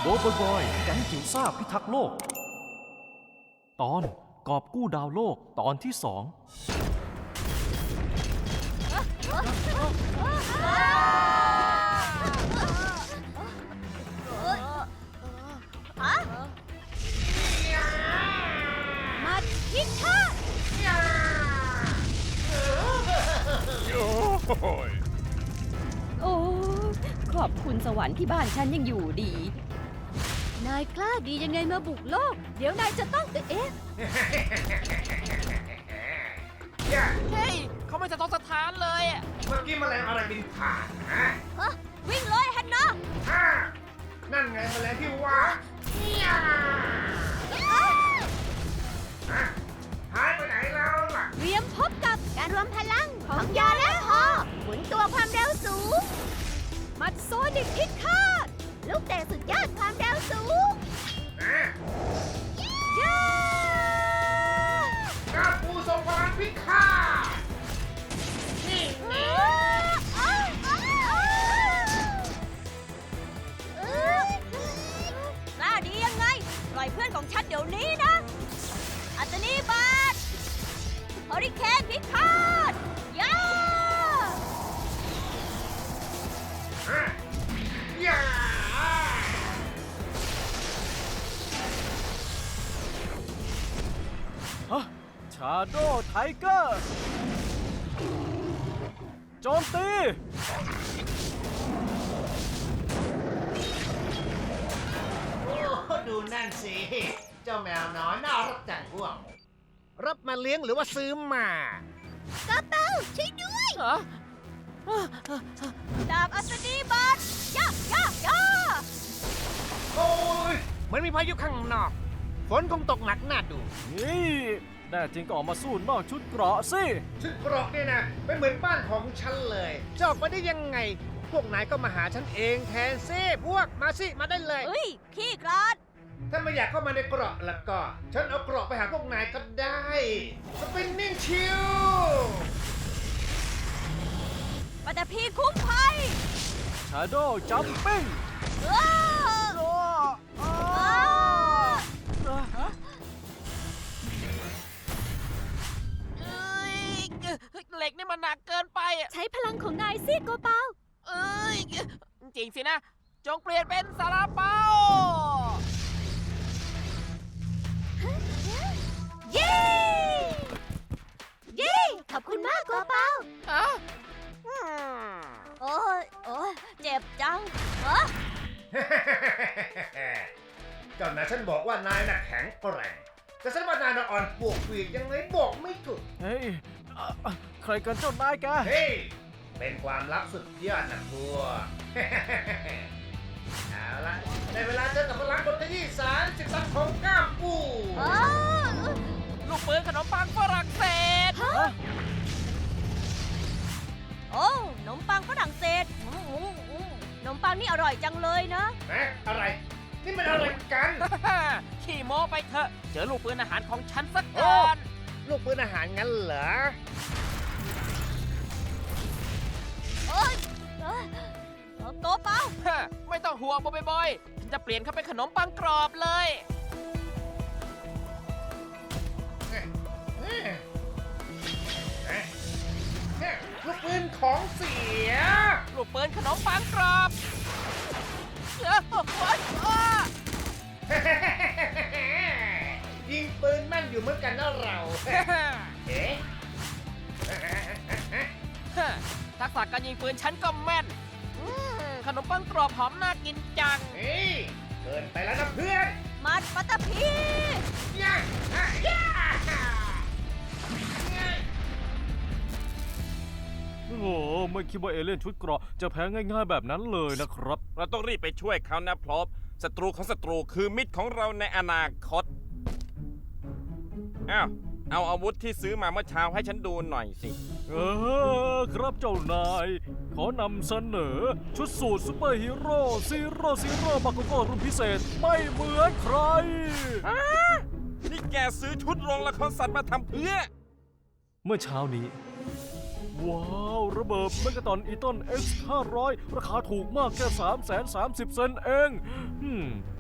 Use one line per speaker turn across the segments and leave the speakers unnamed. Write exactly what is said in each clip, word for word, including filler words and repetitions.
โบอยบอยแก๊งจิ๋วซ่าพิทักษ์โลกตอนกอบกู้ดาวโลกตอนที่สอง
มาพิฆาตโอ้ขอบคุณสวรรค์ที่บ้านฉันยังอยู่ดีนายกล้าดียังไงมาบุกโลกเดี๋ยวนายจะต้องเอ๊ะ
เฮ้ยเขาไม่สะทกสถานเลยอะ
เมื่อกี้แมลงอะไรบินผ่านฮะ
ฮะวิ่งเลยฮันนะ
ฮ่านั่นไงแมลงที่ว่าฮะหายไปไหนแล้วล่ะ
เตรียมพบกับการรวมพลังของยอและฮอหมุนตัวความเร็วสูงมัดโซนิกพิฆาตลูกเตะสุดยอดความเร็วสูง
นะ
ย่า
ก้าวปูทรงพลังพิฆาตนี่นี่
กล้าดียังไงปล่อยเพื่อนของฉันเดี๋ยวนี้นะอัตนีบาทฮอริเคนพิฆาตย่า
ฮะย่า
ฮะชาโดไทเกอร์โจมตี
โอ้ดูนั่นสิเจ้าแมวน้อยน่ารักจังพวกรับมาเลี้ยงหรือว่าซื้อมาก
ระเป๋าช่วยด้วย
เหรอ
ดาบอัศนีบัตรย่าย่าย่า
โอ้ยเหมือนมีพายุข้างนอกฝนคงตกหนักน่าดู
นี่แน่จริงก็ออกมาสู้นอกชุดเกราะสิ
ชุดเกราะเนี่ยนะเป็นเหมือนบ้านของฉันเลยจะออกมาได้ยังไง พวกนายก็มาหาฉันเองแทนซิพวกมาสิมาได้เลย
เฮ้ยขี้กรอด
ถ้าไม่อยากเข้ามาในเกราะแล้วก็ ฉันเอาเกราะไปหาพวกนายก็ได้สปินนิ่งชิล
ปัตตพีคุ้มภัย
ชาโดจัมปิ้ง
อ้า
โอ้
อ้า
เอ้ยเหล็กนี่มันหนักเกินไปอะ
ใช้พลังของนายสิโกเปา
เอ้ยจริงสินะ จงเปลี่ยนเป็นซาลาเปา
เย้เย้ขอบคุณมากโกเปา
อะ
โอ้ยโอ้ยเจ็บจังเออ
เจ้านายฉันบอกว่านายน่ะแข็งแกร่งแต่ฉันว่านายน่ะอ่อนปวกปีกยังไงบอกไม่ถูก
เฮ้ยอ่ะอ่ะใครกันเจ้านายแก
เฮ้ยเป็นความลับสุดยอดนะพวก เอาละในเวลาเจอกับพลังบนขยี้สารสิบสันของก้ามปู
เออ
ลูกปืนขนมปังฝรั่งเศส
ฮะโอ้ขนมปังฝรั่งเศสอืมอืมอืมขนมปังนี่อร่อยจังเลยนะ
นะอะไร นี่มันอะไรกัน
ขี่โม้ไปเถอะเจอลูกปืนอาหารของฉันสักก่อน
ลูกปืนอาหารงั้นเหรอ
เอ้ยเอ้ยโกเปา
ฮะไม่ต้องห่วงบอยๆฉันจะเปลี่ยนเขาเป็นขนมปังกรอบเลย
ลูกปืนของเสีย
ลูกปืนขนมปังกรอบเอ้อโอ๊ยอ้า
ยิงปืนแม่นอยู่เหมือนกันนะเรา เอ๊ะ
ฮะทักษะการยิงปืนฉันก็แม่นอืมขนมปังกรอบหอมน่ากินจัง
เฮ้ยเกินไปแล้วนะเพื่อน
มัดปัตตพี
ย่าย่าย่า
โอ้โหไม่คิดว่าเอเลี่ยนชุดเกราะจะแพ้ง่ายๆแบบนั้นเลยนะครับ
เราต้องรีบไปช่วยเขานะพลบศัตรูของศัตรูคือมิตรของเราในอนาคต อ้าว เอาอาวุธที่ซื้อมาเมื่อเช้าให้ฉันดูหน่อยสิ
เออครับเจ้านาย ขอนำเสนอ ชุดสูทซูเปอร์ฮีโร่ซีโร่ซีโร่บาโกโก้รุ่นพิเศษไม่เหมือนใคร
นี่แกซื้อชุดโรงละครสัตว์มาทำเพื่อ
เมื่อเช้านี้ ว้าว ระเบิดเมกะตอนอีตอน เอ็กซ์ ห้าร้อย ราคาถูกมากแค่ สามแสนสามสิบ เซนต์เองอืม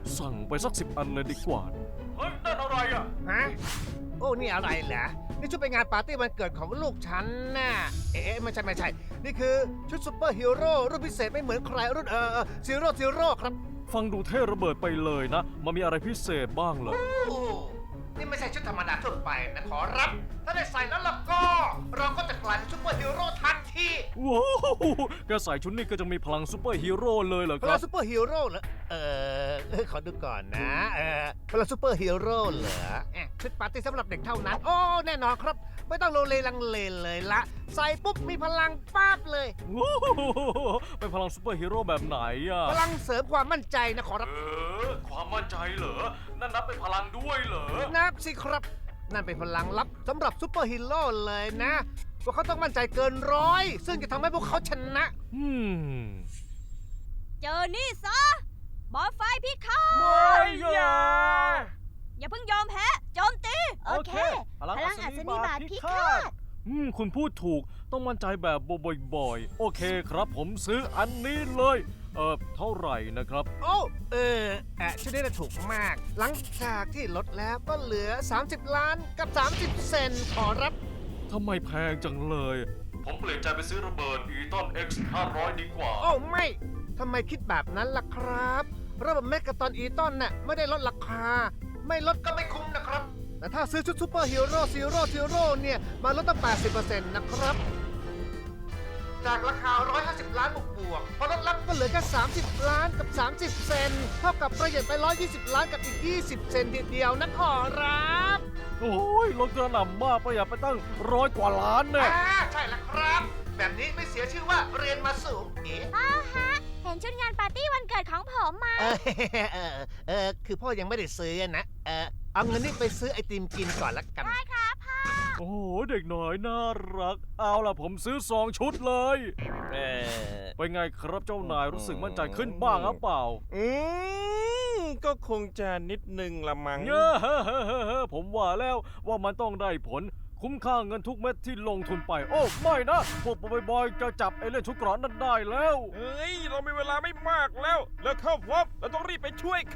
สั่งไปสักสิบอันเลยดีกว่า เฮ้ยนั่นอะไรอ่ะ
ฮะ โอ้ นี่อะไรเหรอ นี่ชุดไปงานปาร์ตี้วันเกิดของลูกฉันน่ะ เอ๊ะไม่ใช่ไม่ใช่ นี่คือชุดซูเปอร์ฮีโร่รุ่นพิเศษไม่เหมือนใครรุ่นเออซีโร่ซีโร่ครับ
ฟังดูเท่ระเบิดไปเลยนะ มันมีอะไรพิเศษบ้างเหรอ
โอ้นี่ไม่ใช่ชุดธรรมดาทั่วไปนะขอรับ ถ้าได้ใส่แล้วล่ะก็ เราก็จะกลายเป็นซูเปอร์ฮีโร่ทันที
ว้าวแกใส่ชุดนี้ก็จะมีพลังซูเปอร์ฮีโร่เลยเหรอ
พ
ค
ลั
รั
ง
บ
ซูเปอร์ฮีโร่เหรอ เออเออขอดูก่อนนะ เออพลังซูเปอร์ฮีโร่เหรอเอ๊ะชุดปาร์ตี้สำหรับเด็กเท่านั้น โอ้ แน่นอนครับ ไม่ต้องโลเลลังเลเลยละ ใส่ปุ๊บมีพลังปั๊บเลย
ว้าวเป็นพลังซูเปอร์ฮีโร่แบบไหนอ่ะ
พลังเสริมความมั่นใจนะขอรับ
เออ ความมั่นใจเหรอ นั่นนับเป็นพลังด้วยเหรอ
นับสิครับ นั่นเป็นพลังลับสำหรับซูเปอร์ฮีโร่เลยนะว่าเขาต้องมั่นใจเกินร้อย ซึ่งจะทำให้พวกเขาชนะ
อืม
เจอนี่ซะ บอลไฟพิฆาต
ไม่อย่า
อย่าเพิ่งยอมแพ้ โจมตี
โอเค
พลังอัศนีบาทพิฆาต
อืม คุณพูดถูก ต้องมั่นใจแบบบ่อยๆ โอเคครับ ผมซื้ออันนี้เลย เออเท่าไหร่นะครับ
โอ้ เออแอะชุดนี้น่ะถูกมาก หลังจากที่ลดแล้วก็เหลือ สามสิบ ล้านกับ สามสิบ เซนต์ขอรับ
ทำไมแพงจังเลย ผมเปลี่ยนใจไปซื้อระเบิดอีตอน X ห้าร้อยดีกว่า
โอ้ไม่ ทำไมคิดแบบนั้นล่ะครับ ระบบเมกะตอนอีตอนน่ะไม่ได้ลดราคา ไม่ลดก็ไม่คุ้มนะครับ แต่ถ้าซื้อชุดซูเปอร์ฮีโร่ซีโร่ซีโร่เนี่ย มาลดตั้ง แปดสิบเปอร์เซ็นต์ นะครับ จากราคา หนึ่งร้อยห้าสิบ ล้านบวกบวกๆพอลดลับก็เหลือแค่ สามสิบ ล้านกับ สามสิบ เซนต์เท่ากับประหยัดไป หนึ่งร้อยยี่สิบ ล้านกับอีก ยี่สิบ เซนต์เดียวนะขอรับ
โอ้ยลดกระหน่ำมากประหยัดไปตั้งร้อยกว่าล้านเนี่ย
อ่าใช่แล้วครับ แบบนี้ไม่เสียชื่อว่าเรียนมาสูงเอ๊ะ
พ่อฮะ เห็นชุดงานปาร์ตี้วันเกิดของผมมา
เออเออเออคือพ่อยังไม่ได้ซื้อนะ เออเอาเงินนี่ไปซื้อไอติมกินก่อนละกัน
ได้ครับพ่อ
โอ้โห เด็กน้อยน่ารัก เอาล่ะผมซื้อสองชุดเลย
เออ
เป็นไงครับเจ้านายรู้สึกมั่นใจขึ้นบ้างหรือเปล่า
อืมก็คงจะนิดนึงละมั้ง
เง้อผมว่าแล้วว่ามันต้องได้ผล คุ้มค่าเงินทุกเม็ดที่ลงทุนไป โอ้ไม่นะ พวกบอยๆจะจับไอ้เล่นชุดเกราะนั้นได้แล้ว
เฮ้ย เรามีเวลาไม่มากแล้ว แล้วเข้าพบเราต้องรีบไปช่วยเขา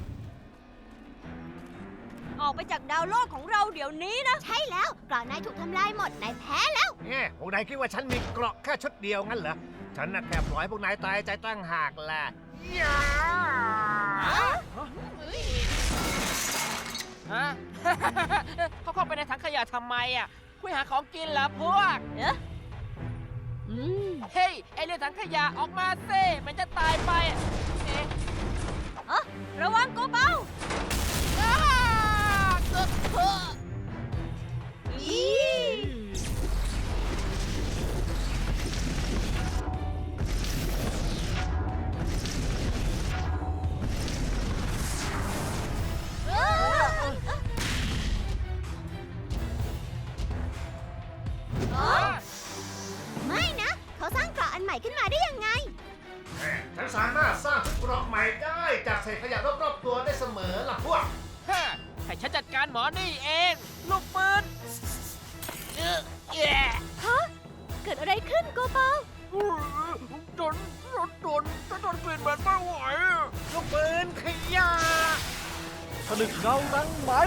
ออกไปจากดาวโลกของเราเดี๋ยวนี้นะ ใช่แล้วกรอนนายถูกทำลายหมด นายแพ้แล้ว
แง่พวกนายคิดว่าฉันมีเกราะแค่ชุดเดียวงั้นเหรอ ฉันน่ะแค่ปล่อยให้พวกนายตายใจตั้งหากแหละยา
ฮะ เขาเข้าไปในถังขยะทำไมอ่ะ คุยหาของกินเหรอพวก
เอ๊ะอืม
เฮ้ย ไอเรื่องถังขยะออกมาเซ่มันจะตายไปอะเอ๊ะ
อ๋อระวังโกเบา
อ้าเกิดเพ้อ
อี ไม่นะ เขาสร้างเกราะอันใหม่ขึ้นมาได้ยังไง
ฉันสามารถสร้างชุดเกราะใหม่ได้จากเศษขยะรอบๆตัวได้เสมอล่ะพวก
ฮะให้ฉันจัดการหมอนี่เอง ลูกปืนเออแย่
ฮะ เกิดอะไรขึ้นโกเบา
จนจนจนจนจนกลิ่นเหม็นไม่ไหวอะ
ลูกปืนขยะ
ผนึกเงานังไหม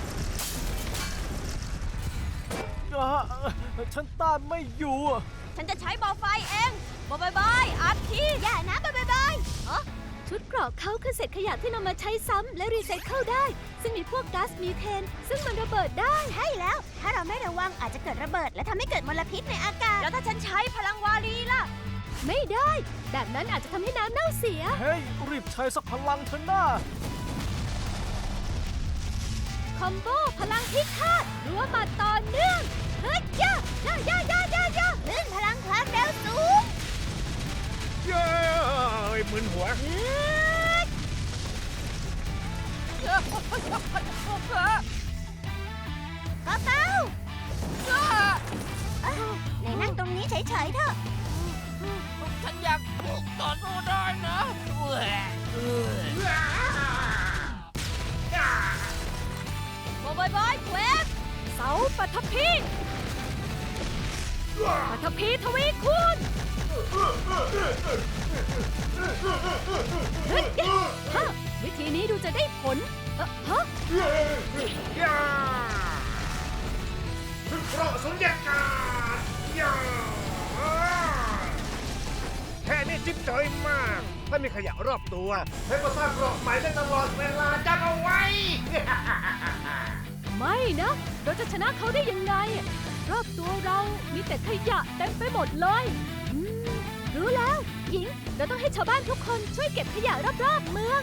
อ่ะฉันต้านไม่อยู่
ฉันจะใช้บอลไฟเองบอยบายอาร์ทีอย่านะบอยบายอ๋อชุดเกราะเขาคือเศษขยะที่นำมาใช้ซ้ำและรีไซเคิลได้ ซึ่งมีพวกก๊าซมีเทน ซึ่งมันระเบิดได้ ใช่แล้ว ถ้าเราไม่ระวังอาจจะเกิดระเบิด และทำให้เกิดมลพิษในอากาศ แล้วถ้าฉันใช้พลังวารีล่ะ ไม่ได้ แบบนั้นอาจจะทำให้น้ำเน่าเสีย
เฮ้ย รีบใช้สักพลังเถอะน้า
คอมโบพลังพิฆาตรัวมาต่อเนื่องเฮ้ยย่าย่าย่าย่าย่าย่าเลื่อนพลังความเร็วสูง
เย้ยมึนหัว
เฮ้ย
เออพวกเธอ
กระเป๋า
อ้า
เอ้าไหนนั่งตรงนี้เฉยๆเถอะ
ฉันอยากต่อสู้ได้นะเออเออบอยบอยเวฟ
เสาปัทภีปัทภีทวีคูณเฮ้ยฮะวิธีนี้
จิ๊บจอยมาก ถ้ามีขยะรอบตัวให้ก็สร้างกรอบใหม่ได้ตลอดเวลาจำเอาไว้
ไม่นะ เราจะชนะเขาได้ยังไง รอบตัวเรามีแต่ขยะเต็มไปหมดเลยอืมรู้แล้ว หญิง เราต้องให้ชาวบ้านทุกคนช่วยเก็บขยะรอบๆเมือง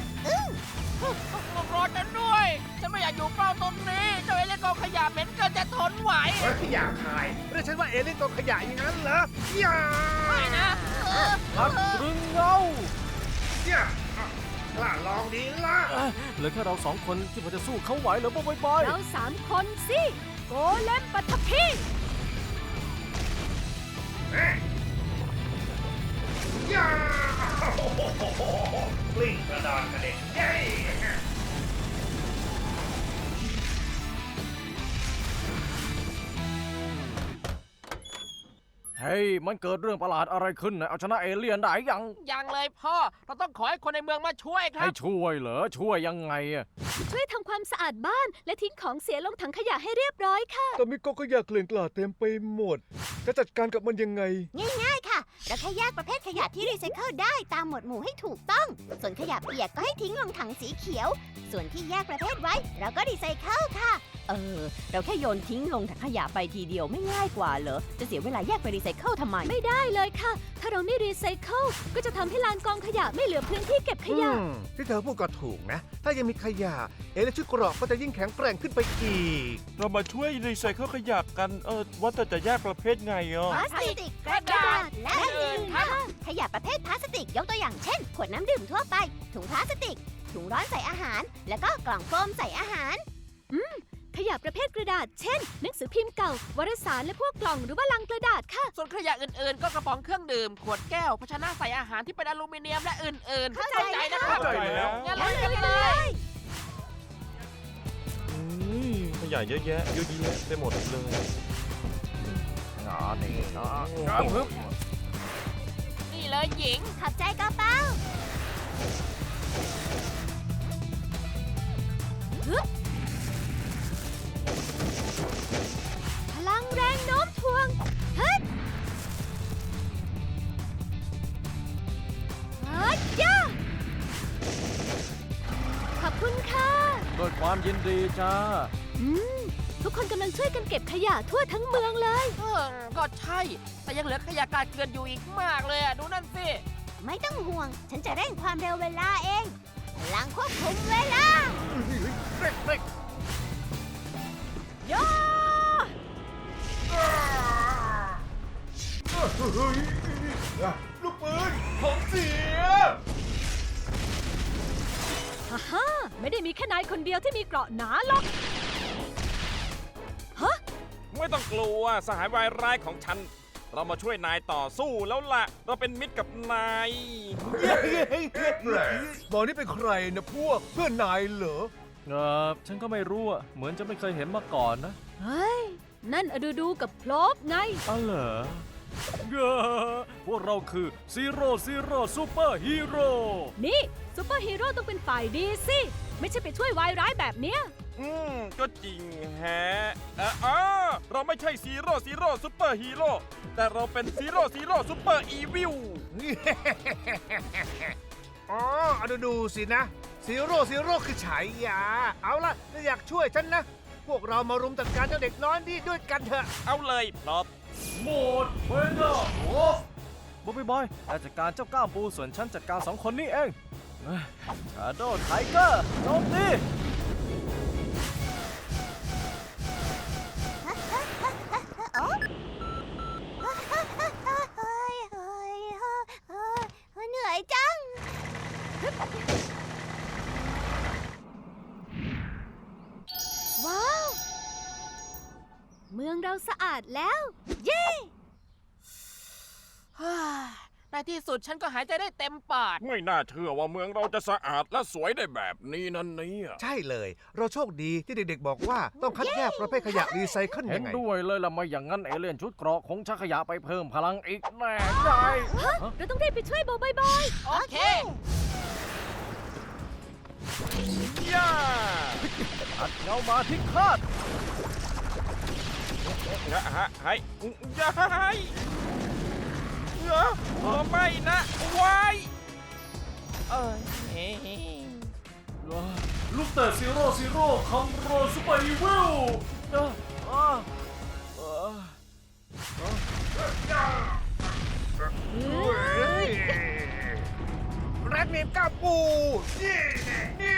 รอฉันด้วย ฉันไม่อยากอยู่เฝ้าตรงนี้ เจ้าเอเลี่ยนกองขยะเหม็นเกินจะทนไหว
เฮ้ยอยากขายเรียกฉันว่าเอเลี่ยนกองขยะอย่างนั้นเหรออย่า
ไม่นะเออ
พักตรึงเงา
อย่าอ่ะกล้าลองดีละ
เอ้ยเหลือแค่เราสองคนที่พอจะสู้เขาไหวเหรอบ๊ายบาย
เราสามคนสิ โกเลมปัทภี
เอ๊ะอย่าโอ้โหกลิ้งกระดานกระเด็นเย้
เฮ้ย มันเกิดเรื่องประหลาดอะไรขึ้นนะเอาชนะเอเลี่ยนได้ยัง
ยังเลยพ่อ เราต้องขอให้คนในเมืองมาช่วยครั
ให้
บ
ช่วยเหรอ ช่วยยังไงอะ
ช่วยทำความสะอาดบ้าน และทิ้งของเสียลงถังขยะให้เรียบร้อยค่ะ
แต่มีกองขยะเกลื่อนกลาดเต็มไปหมด จะจัดการกับมันยังไง
ง่ายๆ ค่ะ เราแค่แยกประเภทขยะที่รีไซเคิลได้ตามหมวดหมู่ให้ถูกต้อง ส่วนขยะเปียกก็ให้ทิ้งลงถังสีเขียว ส่วนที่แยกประเภทไว้ เราก็รีไซเคิลค่ะ
เออ เราแค่โยนทิ้งลงถังขยะไปทีเดียวไม่ง่ายกว่าเหรอ จะเสียเวลาแยกไปรีไซเคิลทำไม
ไม่ได้เลยค่ะ ถ้าเราไม่รีไซเคิลก็จะทำให้ลานกองขยะไม่เหลือพื้นที่เก็บขยะ
อืมที่เธอพูดก็ถูกนะ ถ้ายังมีขยะ เอเลี่ยนชุดเกราะก็จะยิ่งแข็งแกร่งขึ้นไปอีก
เรามาช่วยรีไซเคิลขยะกัน เออ ว่าแต่จะแยกประเภทไงอ่ะ
พลาสติก กระดาษ และอื่นๆค่ะ ขยะประเภทพลาสติกยกตัวอย่างเช่น ขวดน้ำดื่มทั่วไป ถุงพลาสติก ถุงร้อนใส่อาหาร แล้วก็กล่องโฟมใส่อาหาร
ขยะประเภทกระดาษ เช่น หนังสือพิมพ์เก่า วารสารและพวกกล่องหรือว่าลังกระดาษค่ะ
ส่วนขยะอื่นๆ ก็กระป๋องเครื่องดื่ม ขวดแก้ว ภาชนะใส่อาหารที่เป็นอลูมิเนียมและอื่นๆ
เข้าใจ
นะครับ
เข้าใจแล้ว
งั้นลุยกันเลย
อืมขยะเยอะแยะเยอะแยะไปหมดเลย
งานนี้นะ
นี่เลยหญิง
ขอบใจกระเป๋า
พลังแรงโน้มถ่วงฮึดฮึดย่าขอบคุณค่ะ
ด้วยความยินดีจ้า
อืม ทุกคนกำลังช่วยกันเก็บขยะทั่วทั้งเมืองเลย
เออก็ใช่ แต่ยังเหลือขยะกาดเกลื่อนอยู่อีกมากเลยอะดูนั่นสิ
ไม่ต้องห่วง ฉันจะเร่งความเร็วเวลาเอง พลังควบคุมเวลา
เร่งเร่ง
ย่า
ลูกปืนของเสีย
ฮ่าฮ่าไม่ได้มีแค่นายคนเดียวที่มีเกราะหนาหรอก
ไม่ต้องกลัวสหายวายร้ายของฉัน เรามาช่วยนายต่อสู้แล้วล่ะ เราเป็นมิตรกับนาย
บอกนี่เป็นใครนะพวกเพื่อนนายเหรอ
เออฉันก็ไม่รู้อะเหมือนจะไม่เคยเห็นมาก่อนนะ
เฮ้ย นั่นอดูดูกับพลบไง
อ๋อเหรอเย้พวกเราคือซีโร่ซีโร่ซูเปอร์ฮีโร่
นี่ซูเปอร์ฮีโร่ต้องเป็นฝ่ายดีสิ ไม่ใช่ไปช่วยวายร้ายแบบเนี้ย
อืม ก็จริงแฮะเอออ๋อเราไม่ใช่ซีโร่ซีโร่ซูเปอร์ฮีโร่แต่เราเป็นซีโร่ซีโร่ซูเปอร์อีวิล
อ๋อเอาดูดูสินะซีโร่ซีโร่คือฉายา เอาล่ะถ้าอยากช่วยฉันนะ พวกเรามารุมจัดการเจ้าเด็กน้อยนี่ด้วยกันเถอะ
เอาเลยพลอบ
โหมดเวนเดอร์โอ้บอยบอยนายจัดการเจ้าก้ามปูส่วนฉันจัดการสองคนนี้เองชาโดว์ไทเกอร์โจมตี
เฮ้ยเฮ้ยเฮ้ยเฮ้ยเหนื่อยจัง
ว้าว เมืองเราสะอาดแล้ว เย้
ในที่สุดฉันก็หายใจได้เต็มปอด
ไม่น่าเชื่อว่าเมืองเราจะสะอาดและสวยได้แบบนี้นั่นเนี่ย
ใช่เลย เราโชคดีที่เด็กๆบอกว่าต้องคัดแยกประเภทขยะรีไซเคิล
เห็
ยั
น
งไง
ด้วยเลยล่ะไม่อย่างนั้นเอเลี่ยนชุดเกราะคงชักขยะไปเพิ่มพลังอีกแน่ใจ
เราต้องรีบไปช่วยโบบอยบอย
โอเค
ย่า
อัดเงามาที่คาด
ฮะฮะให้ย่าให้เอ้อโอ้ไม่นะวายเอ้ย
ลูกแต่ซีโร่ซีโร่คัมโรซูเปอร์อีวิลนะอ่าอ่า
แรดเนมก้าปูนี่นี่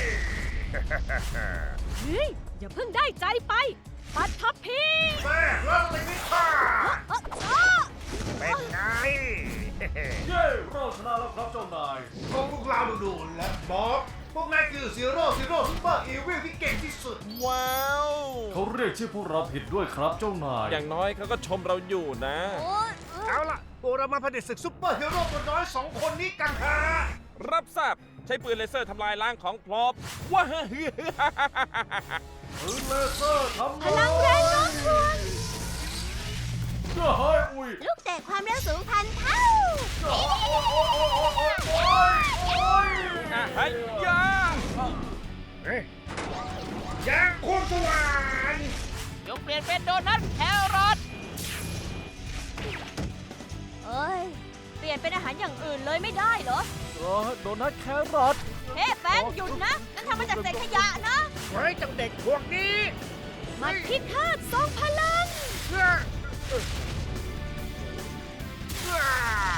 เฮ้ย อย่าเพิ่งได้ใจไป ปัดทับพี
แม่รัดเลยนี่ค่ะ
เอ้อเอ้อ
เป็นไง
เย้เราชนะแล้วครับเจ้านาย
พวกพวกเราดูๆแล้วบ๊อบพวกนายคือซีโร่ซีโร่ซุปเปอร์อีวิลที่เก่งที่สุด
ว้าว
เขาเรียกชื่อพวกเราผิดด้วยครับเจ้านาย
อย่างน้อยเขาก็ชมเราอยู่นะ
โอ๊ย
เอาล่ะพวกเรามาผลิตศึกซุปเปอร์ฮีโร่ตัวน้อยสองคนนี้กันฮะ
รับทราบใช้ปืนเลเซอร์ทำลายล้างของพลอบว้า
ปืนเลเซอร์ทำ
พลังแรงโน้มถ่วง
เจ้าเฮ้ยอุ้ย
ลูกเตะความเร็วสูงพันเท่า
อ่ะเฮ้ยยา
เฮ้ยยางควงสว่าน
จงเปลี่ยนเป็นโดนัทแครอท
เอ้ย เปลี่ยนเป็นอาหารอย่างอื่นเลยไม่ได้เหรอ
เออโดนัทแครอท
เฮ้แฟนหยุดนะ นั่นทำมาจากเศษขยะนะ
ไว้จังเด็กพวกนี้
มันพิฆาตทรงพลัง
เอ้อเอ้อเอ้อ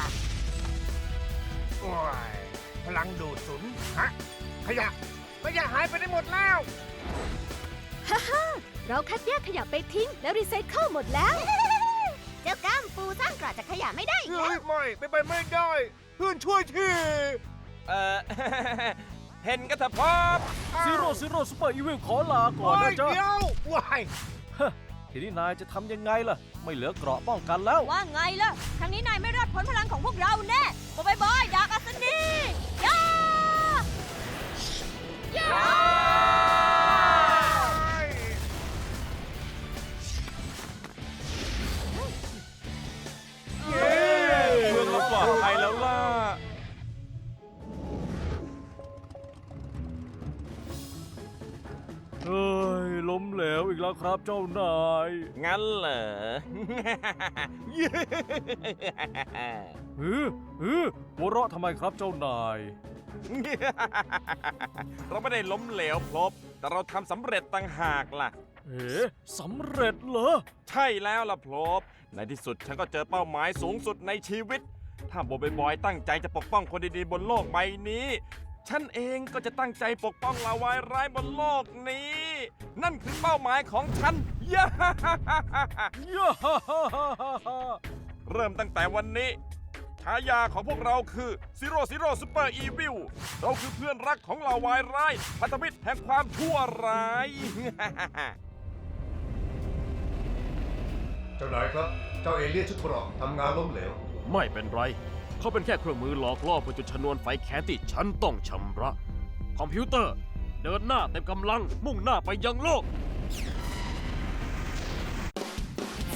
โอ้ยพลังดูดสุนฮะขยะขยะหายไปได้หมดแล้ว
ฮ่าฮ่าเราคัดแยกขยะไปทิ้ง แล้วรีไซเคิลหมดแล้ว
เจ้าก้ามปูสร้างกรอบจากขยะไม่ได้อีก
เฮ้
แล้
ยว ไม่ไปไปไม่ได้ เพื่อนช่วยที
เอ่อ เห็นกันเถอะพลอบ
ซีโร่ซีโร่ซูเปอร์อีวิลขอลาก่อน
โอ้
นะ
ย
จ๊ะ
เดี๋ยวว้าย
ฮะทีนี้นายจะทำยังไงล่ะ ไม่เหลือเกราะป้องกันแล้ว
ว่าไงล่ะ ครั้งนี้นายไม่รอดพ้นพลังของพวกเราแน่บายบายดาร์กอัศนีย่าย่า
เย้เมืองเราปลอดภัยแล้วล่ะ
เฮ้ย ล้มเหลวอีกแล้วครับเจ้านาย
งั้นเหรอ
ฮือฮือหัวเราะทำไมครับเจ้านาย
เราไม่ได้ล้มเหลวพลบ แต่เราทำสำเร็จต่างหากล่ะ
เอ๋สำเร็จเหรอ
ใช่แล้วล่ะพลบ ในที่สุดฉันก็เจอเป้าหมายสูงสุดในชีวิต ถ้าโบบอยบอยตั้งใจจะปกป้องคนดีๆบนโลกใบนี้ ฉันเองก็จะตั้งใจปกป้องลาวายร้ายบนโลกนี้ นั่นคือเป้าหมายของฉัน ย่า
ย่าฮ่าฮ่าฮ่าฮ่า
เริ่มตั้งแต่วันนี้ ฉายาของพวกเราคือซีโร่ซีโร่ซูเปอร์อีวิลเราคือเพื่อนรักของลาวายร้ายพันธมิตรแห่งความชั่วร้าย
เจ้านายครับ เจ้าเอเลี่ยนชุดเกราะทำงานล้มเหลว
ไม่เป็นไร เขาเป็นแค่เครื่องมือหลอกล่อเพื่อจุดชนวนไฟแค้นที่ฉันต้องชำระ คอมพิวเตอร์ เดินหน้าเต็มกำลังมุ่งหน้าไปยังโลก